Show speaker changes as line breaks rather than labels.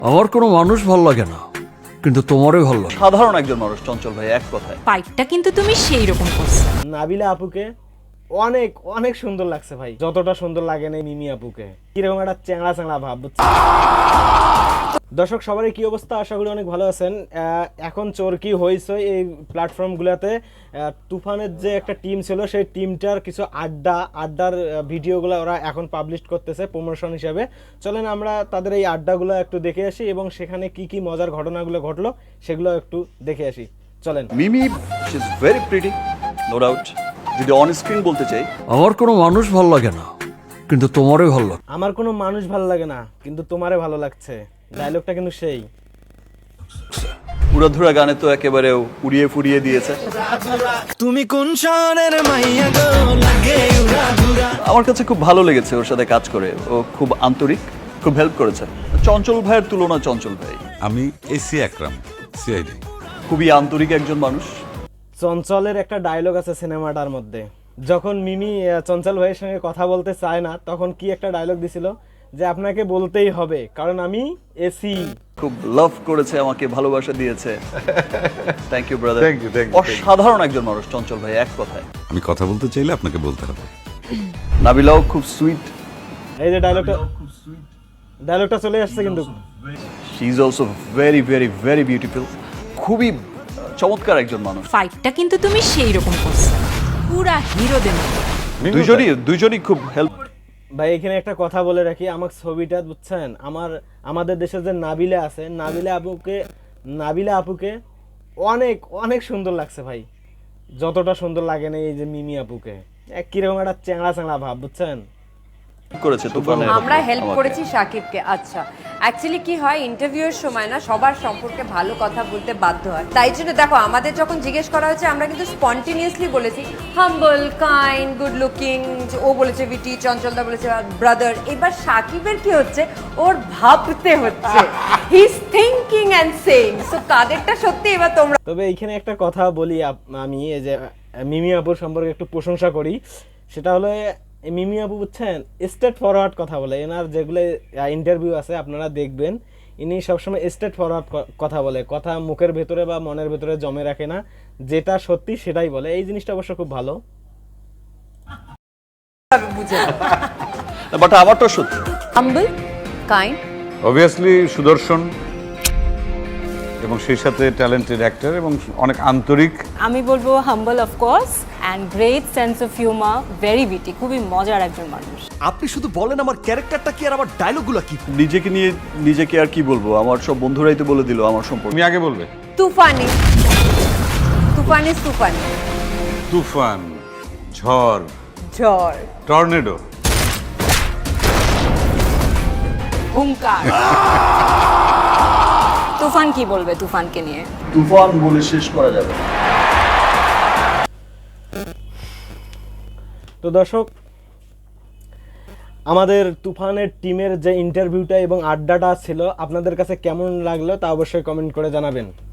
আমার কোনো মানুষ ভাল লাগে না, কিন্তু তোমারই ভালো লাগে।
সাধারণ একজন মানুষ চঞ্চল ভাই, এক কথায়।
ফাইটটা কিন্তু তুমি সেই রকম করছো।
নাবিলা আপুকে অনেক অনেক সুন্দর লাগছে ভাই, যতটা সুন্দর লাগে না মিমি আপুকে। কিরকম একটা চ্যাংড়া চ্যাংড়া ভাব, বুঝছেন? দর্শক সবারই কি অবস্থা? আশা করি অনেক ভালো আছেন। এখন চরকি হয়েছে এই প্ল্যাটফর্মগুলোতে। তুফানের যে একটা টিম ছিল, সেই টিমটার কিছু আড্ডার ভিডিওগুলো ওরা এখন পাবলিশ করতেছে প্রমোশন হিসাবে। চলেন আমরা তাদের এই আড্ডাগুলো একটু দেখে আসি এবং সেখানে কি কি মজার ঘটনাগুলো ঘটলো সেগুলো একটু দেখে আসি। চলেন।
Mimi she is very pretty, no doubt. যদি অন স্ক্রিন বলতে চাই,
আমার কোনো মানুষ ভাল লাগে না, কিন্তু তোমারই ভালো লাগে।
আমার কোনো মানুষ ভালো লাগে না, কিন্তু তোমারে ভালো লাগছে। ডায়লগটা কিন্তু সেই।
উড়াধুরা গানে তো একেবারে উড়িয়ে ফুরিয়ে দিয়েছে।
তুমি কোন শহরের মাইয়া গো লাগে উড়াধুরা।
আমার কাছে খুব ভালো লেগেছে ওর সাথে কাজ করে। ও খুব আন্তরিক, খুব হেল্প করেছে। চঞ্চল ভাইয়ের তুলনা চঞ্চল ভাই।
আমি এসি আকরাম, সিআইডি।
খুবই আন্তরিক একজন মানুষ।
চঞ্চলের একটা ডায়লগ আছে সিনেমাটার মধ্যে, যখন মিমি চঞ্চল ভাইয়ের সঙ্গে কথা বলতে চায় না, তখন কি একটা ডায়লগ দিছিল যে আপনাকে বলতেই হবে কারণ আমি এসি।
খুব লাভ করেছে আমাকে, ভালোবাসা দিয়েছে। Thank you brother.
Thank you, thank you, thank you.
অসাধারণ একজন মানুষ চঞ্চল ভাই, এক কথায়।
আমি কথা বলতে চাইলে আপনাকে বলতে হবে।
নাবিলাও খুব সুইট।
এই যে ডায়লগটা চলে আসছে কিন্তু।
She is also very very very beautiful. খুবই চমৎকার একজন মানুষ।
ফাইটটা কিন্তু তুমি সেই রকম করছো, পুরা হিরোদের মতো।
দুইজনই খুব হেল্প।
ভাই এখানে একটা কথা বলে রাখি, আমার ছবিটা বুঝছেন, আমাদের দেশে যে নাবিলা আছে, নাবিলা আপুকে অনেক অনেক সুন্দর লাগছে ভাই, যতটা সুন্দর লাগে না এই যে মিমি আপুকে। কিরকম একটা চ্যাংড়া চ্যাংড়া ভাব, বুঝছেন?
করেছে তুফানের।
আমরা হেল্প
আমাকে।
করেছি সাকিবকে। আচ্ছা, অ্যাকচুয়ালি কি হয়, ইন্টারভিউয়ের সময় না সবার সম্পর্কে ভালো কথা বলতে বাধ্য হয়। তাই জন্য দেখো, আমাদের যখন জিজ্ঞেস করা হয়েছে আমরা কিন্তু স্পন্টেনিয়াসলি বলেছি হাম্বল, কাইন্ড, গুড লুকিং। ও বলেছে ভিটি, চঞ্চলদা বলেছে ব্রাদার। এবার সাকিবের কি হচ্ছে, ওর ভাবতে হচ্ছে, he is thinking and saying. So কাদেরটা সত্যি এবার তোমরা।
তবে এইখানে একটা কথা বলি, আমি এই যে মিমি আপুর সম্পর্কে একটু প্রশংসা করি। সেটা হলো এই মিমি আপু বুঝছেন স্ট্রেট ফরওয়ার্ড কথা বলে। এনার যেগুলো ইন্টারভিউ আছে আপনারা দেখবেন, ইনি সবসময় স্ট্রেট ফরওয়ার্ড কথা বলে, কথা মুখের ভেতরে বা মনের ভেতরে জমে রাখে না, যেটা সত্যি সেটাই বলে। এই জিনিসটা অবশ্য খুব ভালো।
বুঝে
বাট আমারটা সত্যি।
হাম্বল, কাইন্ড,
অবভিয়াসলি সুদর্শন এবং সেই সাথে ট্যালেন্টেড অ্যাক্টর এবং অনেক আন্তরিক।
আমি বলবো humble of course and great sense of humour, very witty, খুবই মজার একজন মানুষ।
আপনি শুধু বলেন আমার ক্যারেক্টারটা কি আর আমার ডায়লগগুলো কি।
নিজেকে নিয়ে নিজেকে আর কি বলবো, আমার সব বন্ধুরাই তো বলে দিল আমার সম্পর্কে।
তুমি আগে বলবে।
তুফানি, তুফানি, তুফানি,
তুফান, ঝড়,
ঝড়,
টর্নেডো।
হুঙ্কার। তুফান কি বলবে তুফানকে নিয়ে?
তুফান বলে শেষ করা যাবে।
তো দর্শক, আমাদের তুফানের টিমের যে ইন্টারভিউটা এবং আড্ডাটা ছিল আপনাদের কাছে কেমন লাগলো তা অবশ্যই কমেন্ট করে জানাবেন।